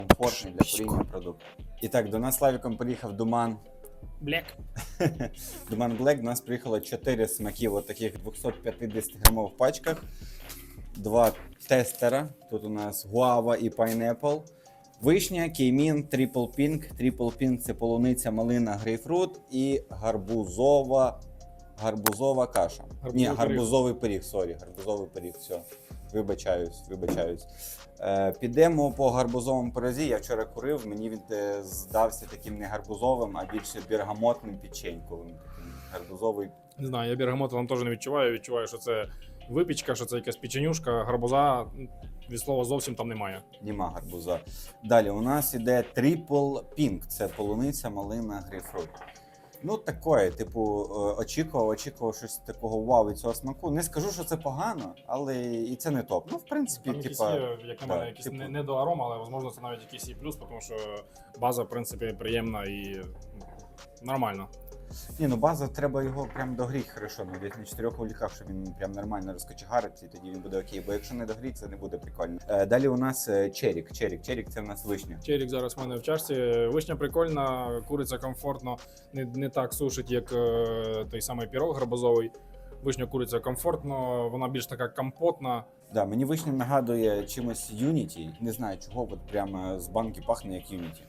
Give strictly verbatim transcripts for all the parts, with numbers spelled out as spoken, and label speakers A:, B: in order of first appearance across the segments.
A: комфортний для куріння продукт. І так, до нас Славіком приїхав Думан.
B: Блек.
A: Думан Black. До нас приїхало чотири смаків от таких двісті п'ятдесят грамових пачках. Два тестера. Тут у нас гуава і пайнепл. Вишня, кеймін, трипл пінк. Трипл пінк – це полуниця, малина, грейпфрут і гарбузова, гарбузова каша.
B: Гарбузовий
A: Ні,
B: пиріг.
A: гарбузовий пиріг, сорі, гарбузовий пиріг, все. Вибачаюсь, вибачаюсь. Е, підемо по гарбузовому пирозі. Я вчора курив, мені він е, здався таким не гарбузовим, а більше бергамотним печеньковим. Таким гарбузовий.
B: Не знаю, я бергамот вам теж не відчуваю. Відчуваю, що це випічка, що це якась печенюшка, гарбуза. Від слова зовсім там немає.
A: Нема гарбуза. Далі у нас іде трипл пінк. Це полуниця, малина, грейпфрут. Ну, таке, типу, очікував, очікував щось такого вау від цього смаку. Не скажу, що це погано, але і це не топ. Ну, в принципі,
B: Там якісь
A: типа,
B: є, як на мене,
A: да,
B: якісь
A: типу-
B: не, не до арома, але можливо це навіть якийсь і плюс, тому що база, в принципі, приємна і ну, нормально.
A: Ні, ну база, треба його прям догріти хорошо, ну, десь на чотирьох вуліках, щоб він прям нормально розкочегариться, і тоді він буде окей. Бо якщо не догріти, це не буде прикольно. Е, далі у нас е, черік. Черік. Черік це у нас вишня.
B: Черік зараз в мене в чашці. Вишня прикольна, куриця комфортно, не, не так сушить, як е, той самий пірог гарбузовий. Вишня куриця комфортно, вона більш така компотна.
A: Да, мені вишня нагадує чимось Unity. Не знаю чого, от прямо з банки пахне як Unity.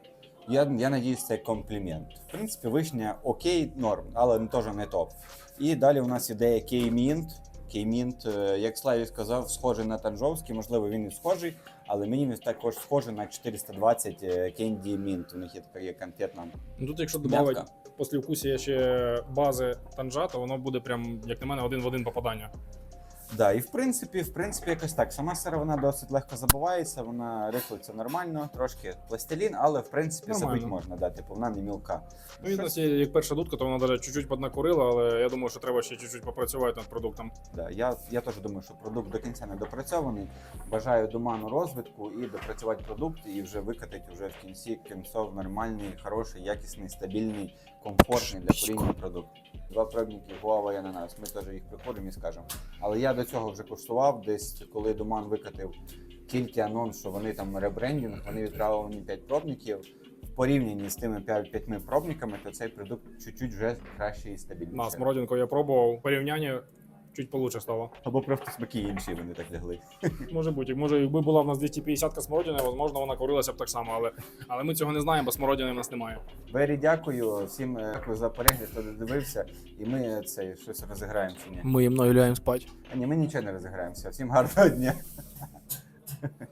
A: Я, я надіюсь, це комплімент. В принципі, вишня окей, норм, але теж не топ. І далі у нас іде кеймінт. Кеймінт, е, як Славі сказав, схожий на танжовський, можливо, він і схожий, але мені він також схожий на чотириста двадцять Candy Mint. У них є така є конфетна.
B: Ну, тут, якщо
A: м'ятка.
B: додати послівкусія ще бази танжа, то воно буде прям, як на мене, один в один попадання.
A: Да, і в принципі, в принципі, якось так. Сама сировина досить легко забувається, вона рихлиться нормально, трошки пластилін, але в принципі
B: Нормально.
A: забити можна, да, типу, вона не мілка.
B: Ну, і в нас є як перша дудка, то вона навіть чуть-чуть поднакурила, але я думаю, що треба ще чуть-чуть попрацювати над продуктом.
A: Да, я, я теж думаю, що продукт до кінця не допрацьований. Бажаю Думану розвитку і допрацювати продукт, і вже викатати вже в кінці кінцов нормальний, хороший, якісний, стабільний, комфортний для куріння продукт. Два пробники гуава і ананас. Ми теж їх прикуримо і скажемо. Але я до цього вже куштував, десь коли Думан викатив тільки анонс, що вони там ребрендінг, вони відправили мені п'ять пробників. В порівнянні з тими п'ятьма пробниками, то цей продукт чуть-чуть вже краще і стабільніше.
B: На смородинку я пробував, порівняння чуть получше стало.
A: Або просто смаки інші вони так лягли.
B: Може бути, може, якби була в нас двісті п'ятдесят смородини, можливо, вона курилася б так само, але, але ми цього не знаємо, бо смородини в нас немає.
A: Бері, дякую всім е, дякую за перегляд, хто додивився. І ми це щось розіграємо чи ні?
B: Ми мною ляємо спати.
A: А ні, ми нічого не розіграємося. Всім гарного дня.